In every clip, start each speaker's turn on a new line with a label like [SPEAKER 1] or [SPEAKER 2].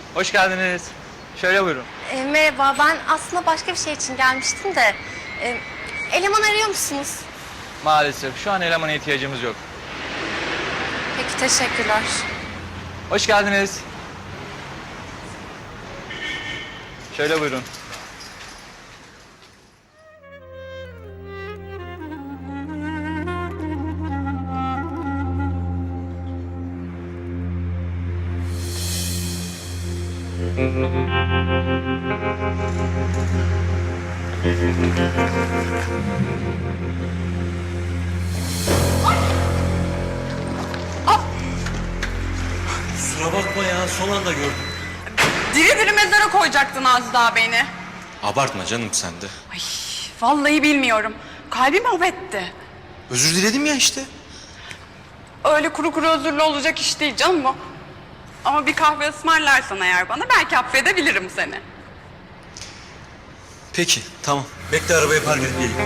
[SPEAKER 1] Hoş geldiniz. Şöyle buyurun.
[SPEAKER 2] Merhaba, ben aslında başka bir şey için gelmiştim de... eleman arıyor musunuz?
[SPEAKER 1] Maalesef şu an elemana ihtiyacımız yok.
[SPEAKER 2] Peki, teşekkürler.
[SPEAKER 1] Hoş geldiniz. Şöyle buyurun.
[SPEAKER 3] Kusura bakma ya, son anda gördüm.
[SPEAKER 4] Diri diri mezara koyacaktın az daha beni.
[SPEAKER 3] Abartma canım sen de.
[SPEAKER 4] Ay, vallahi bilmiyorum. Kalbim mahvetti.
[SPEAKER 3] Özür diledim ya işte.
[SPEAKER 4] Öyle kuru kuru özürlü olacak iş değil canım bu. Ama bir kahve ısmarlarsan eğer bana belki affedebilirim seni.
[SPEAKER 3] Peki, tamam. Bekle, arabayı park edip geleyim.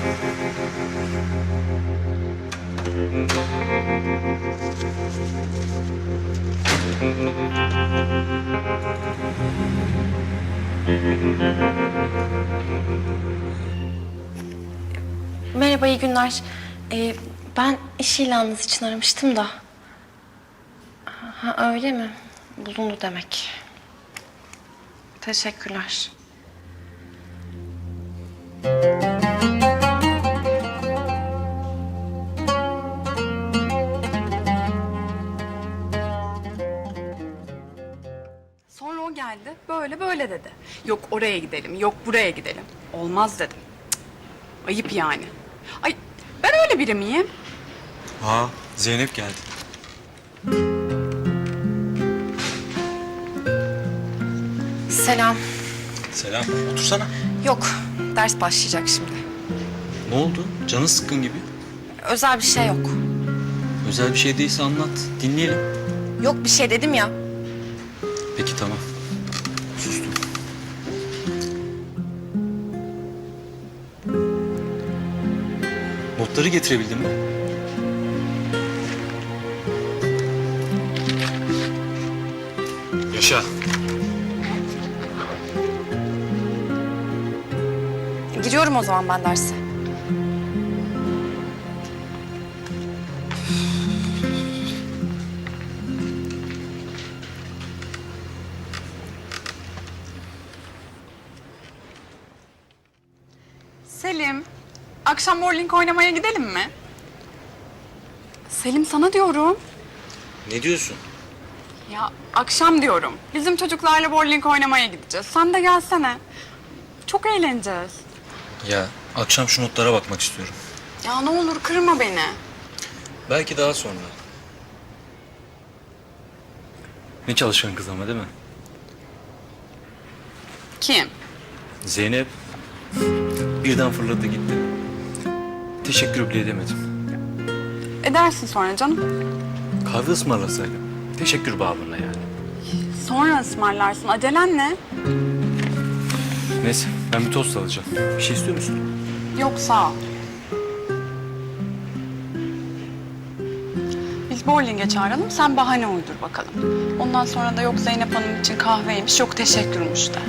[SPEAKER 2] Merhaba, iyi günler. Ben iş ilanınız için aramıştım da. Ha, öyle mi? Bulundu demek. Teşekkürler.
[SPEAKER 4] Sonra o geldi, böyle böyle dedi. Yok oraya gidelim, yok buraya gidelim. Olmaz dedim. Cık, ayıp yani. Ay, ben öyle biri miyim?
[SPEAKER 3] Aa, Zeynep geldi.
[SPEAKER 2] Selam.
[SPEAKER 3] Selam, otursana.
[SPEAKER 2] Yok, ders başlayacak şimdi.
[SPEAKER 3] Ne oldu? Canın sıkkın gibi.
[SPEAKER 2] Özel bir şey yok.
[SPEAKER 3] Özel bir şey değilse anlat, dinleyelim.
[SPEAKER 2] Yok bir şey dedim ya.
[SPEAKER 3] Peki, tamam. Sustum. Notları getirebildin mi? Yaşa.
[SPEAKER 2] Giriyorum o zaman ben derse.
[SPEAKER 4] Selim, akşam bowling oynamaya gidelim mi? Selim sana diyorum.
[SPEAKER 3] Ne diyorsun?
[SPEAKER 4] Ya akşam diyorum. Bizim çocuklarla bowling oynamaya gideceğiz. Sen de gelsene. Çok eğleneceğiz.
[SPEAKER 3] Ya, akşam şu notlara bakmak istiyorum.
[SPEAKER 4] Ya ne olur kırma beni.
[SPEAKER 3] Belki daha sonra. Ne çalışkan kız ama değil mi?
[SPEAKER 4] Kim?
[SPEAKER 3] Zeynep birden fırladı gitti. Teşekkür bile edemedim.
[SPEAKER 4] Edersin sonra canım.
[SPEAKER 3] Kahve ısmarlasaydım. Teşekkür babına yani.
[SPEAKER 4] Sonra ısmarlarsın. Acelen ne?
[SPEAKER 3] Neyse, ben bir tost alacağım. Bir şey istiyor musun?
[SPEAKER 4] Yok sağ ol. Biz bowling'e çağıralım. Sen bahane uydur bakalım. Ondan sonra da yok Zeynep Hanım için kahveymiş, yok teşekkürmüş de.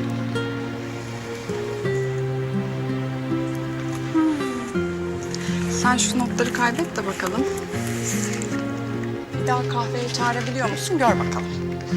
[SPEAKER 4] Sen şu notları kaybet de bakalım. Bir daha kahveye çağırabiliyor musun? Gör bakalım.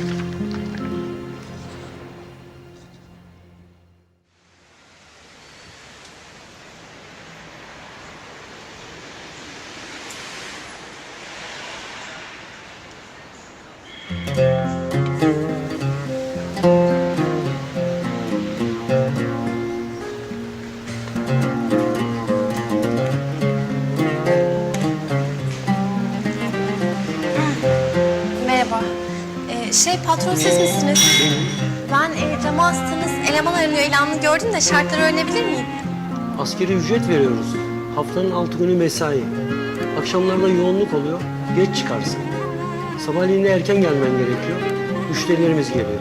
[SPEAKER 2] Merhaba. Patron siz misiniz? Ben cama astığınız eleman aranıyor ilanını gördüm de şartları öğrenebilir miyim?
[SPEAKER 5] Asgari ücret veriyoruz. Haftanın 6 günü mesai. Akşamlarda yoğunluk oluyor. Geç çıkarsın. Sabahleyin de erken gelmen gerekiyor. Müşterilerimiz geliyor.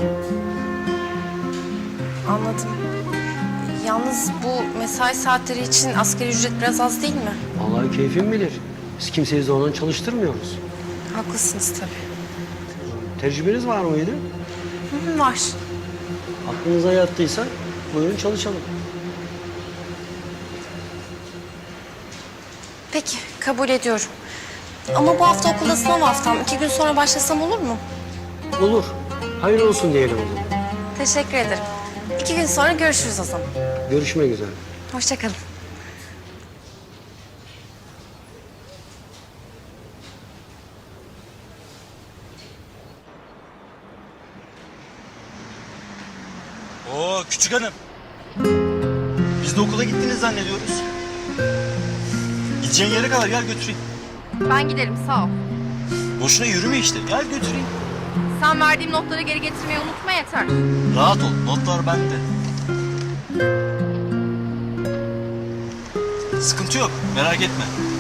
[SPEAKER 2] Anladım. Yalnız bu mesai saatleri için asgari ücret biraz az değil mi?
[SPEAKER 5] Vallahi keyfin bilir. Biz kimseyi zorla çalıştırmıyoruz.
[SPEAKER 2] Haklısınız tabii.
[SPEAKER 5] Tecrübeniz var mıydı?
[SPEAKER 2] iznim var.
[SPEAKER 5] Aklınıza yattıysa buyurun çalışalım.
[SPEAKER 2] Peki, kabul ediyorum. Ama bu hafta okulda sınav haftam. 2 gün sonra başlasam olur mu?
[SPEAKER 5] Olur. Hayırlı olsun diyelim o zaman.
[SPEAKER 2] Teşekkür ederim. 2 gün sonra görüşürüz o zaman.
[SPEAKER 5] Görüşmek üzere.
[SPEAKER 2] Hoşça kalın.
[SPEAKER 6] Oo küçük hanım. Biz de okula gittiniz zannediyoruz. Gideceğin yere kadar gel götüreyim.
[SPEAKER 7] Ben giderim sağ ol.
[SPEAKER 6] Boşuna yürüme işte. Gel götüreyim.
[SPEAKER 7] Sen verdiğim notları geri getirmeyi unutma yeter.
[SPEAKER 6] Rahat ol. Notlar bende. Sıkıntı yok. Merak etme.